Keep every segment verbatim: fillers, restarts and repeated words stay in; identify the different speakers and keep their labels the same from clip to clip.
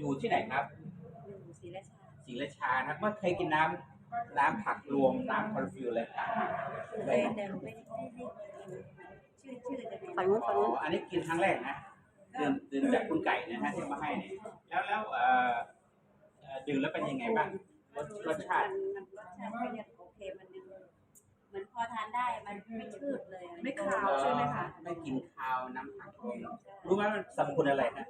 Speaker 1: อยู่ที่ไหนครับ
Speaker 2: ศรีราชา
Speaker 1: ศรีราชาครับเมื่อเคยกินน้ำน้ำผักรวมน้ำคอร์ฟิวเลยครับ
Speaker 2: เคยแต่ไม่ได้ไม่ได้ชื่อชื่อจะเป็น
Speaker 3: ฝั่งนู้นฝั่งนู้น
Speaker 1: อันนี้กินครั้งแรกนะดื่มดื่มจากคุณไก่นะฮะที่มาให้เนี่ยแล้วแล้วเอ่อดื่มแล้วเป็นยังไงบ้างรสรสชาติ
Speaker 2: มันรสชาติก็ยังโอเคมันยังเหมือนพอทานได้มันไม่ชืดเลย
Speaker 4: ไม่คาวใช่ไหมคะ
Speaker 1: ไม่กินคาวน้ำผักรวมรู้ไหมมันสรรพคุณอะไรนะ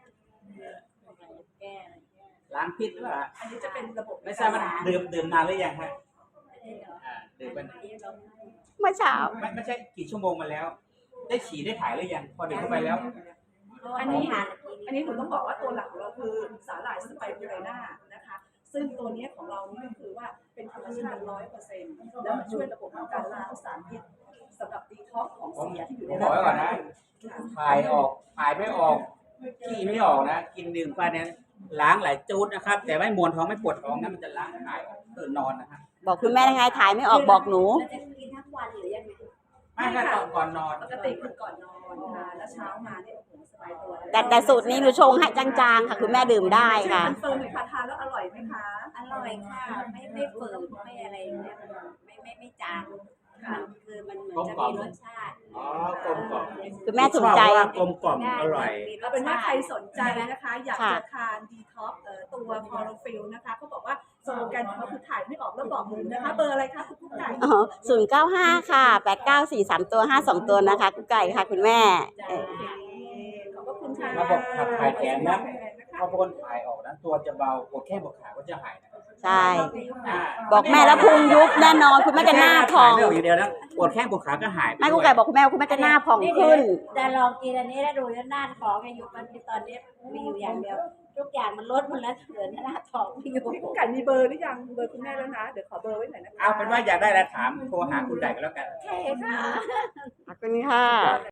Speaker 2: แก้
Speaker 1: ล้างพิษหรือเปล่า
Speaker 4: อันนี้จะเป็นระบบ
Speaker 1: ไม่ทราบว่าดื่มดื่มนานหรือยังฮะดื่มเป็น
Speaker 3: เมื่อเช้า
Speaker 1: ไม่ไม่ใช่กี่ชั่วโมงมาแล้ว ได้ฉี่ได้ถ่ายหรือยังพอดื่มเข้าไปแล้ว
Speaker 4: อันนี้อันนี้ผมต้องบอกว่าตัวหลักของเราคือสาหร่ายสไปรูไลน่านะคะซึ่งตัวนี้ของเรานี่ก็คือว่าเป็นธรรมชาติร้อยเปอร์เซ็นต์แล้วมันช่วยระบบการล้างสารพิษสำหรับดีท็อกซ์ของเสียที่อยู่ใน
Speaker 1: ร่างกายก่อนนะถ่ายออกถ่ายไม่ออกขี้ไม่ออกนะกินดื่มไปเนี่ยล้างหลายจูดนะครับแต่ไม่มวนท้องไม่ปวดท้องนะมันจะล้างถ่ายออกตื่นนอนนะครับ
Speaker 3: บอกคุณแม่ยังไงถ่ายไม่ออกบอกหนู
Speaker 2: จะกินทั้งวันหรือยังไง
Speaker 1: ไม่ค่ะตอนก่อนนอน
Speaker 4: ปกติคือก่อนนอนค่ะแล้วเช้ามาเนี่ยโอ้โหสบายตัว
Speaker 3: แต่แต่สูตรนี้หนูชงให้จางๆค่ะคุณแม่ดื่มได้ค่ะ
Speaker 4: คอนเฟิร์มเลยค่ะทานแล้วอร่อยไหมคะ
Speaker 2: อร่อยค่ะไม่ไม่ฝืนไม่อะไรเนี่ยไม่ไม่ไม่จางมันคือมันเหมือนจะมีรสชาติ
Speaker 1: อ๋อกลมกล่อม
Speaker 3: คุณแม่ถูกใจ
Speaker 1: กลมกล่อมอร่อย
Speaker 4: เอาเป็นว่าใครสนใจนะคะอยากจะทานดีท็อกซ์ตัวคลอโรฟิลนะคะเขาบอกว่าสโลแกนของเขาคือถ่ายไม่ออกแล้วบอกหนูนะคะเบอร์อะไรคะคุณกุ๊กไก่
Speaker 3: อ๋อศูนย์เก้าห้าค่ะแปดเก้าสี่สามตัวห้าสองตัวนะคะกุ๊กไก่ค่ะคุณแม่
Speaker 4: ขอบคุณค่ะ
Speaker 1: ระบบขับถ่ายแขนนะพอพ้นถ่ายออกนะตัวจะเบาปวดแค่ปวดขาก็จะหายนะ
Speaker 3: ใช่บอกแม่แล้วพุงยุบแน่นอนคุณแม่จะหน้าพอง
Speaker 1: อยู่เดียวนะปวดแข้งปวดขาก็หาย
Speaker 3: ไม่กุ๊กไก่บอกคุณแม่คุณแม่จะหน้าพองขึ้น
Speaker 2: จะลองกินอันนี้แล้วดูแล้วหน้าท้องอายุมันตอนนี้มีอยู่อย่างเดียวทุกอย่างมันลดหมดแล้วเหลือหน้าท้องไม่อยู่
Speaker 4: กุ๊กไก่มีเบอร์หรือยังเบอร์คุณแม่แล้วนะเดี๋ยวขอเบอร์ไว้หน่อยนะคะ
Speaker 1: เอาเป็นว่าอยากได้แล้วถามโทรหาคุณไก่ก็แล้วกัน
Speaker 2: ใช่ค่ะ
Speaker 3: ขอบคุณค่ะ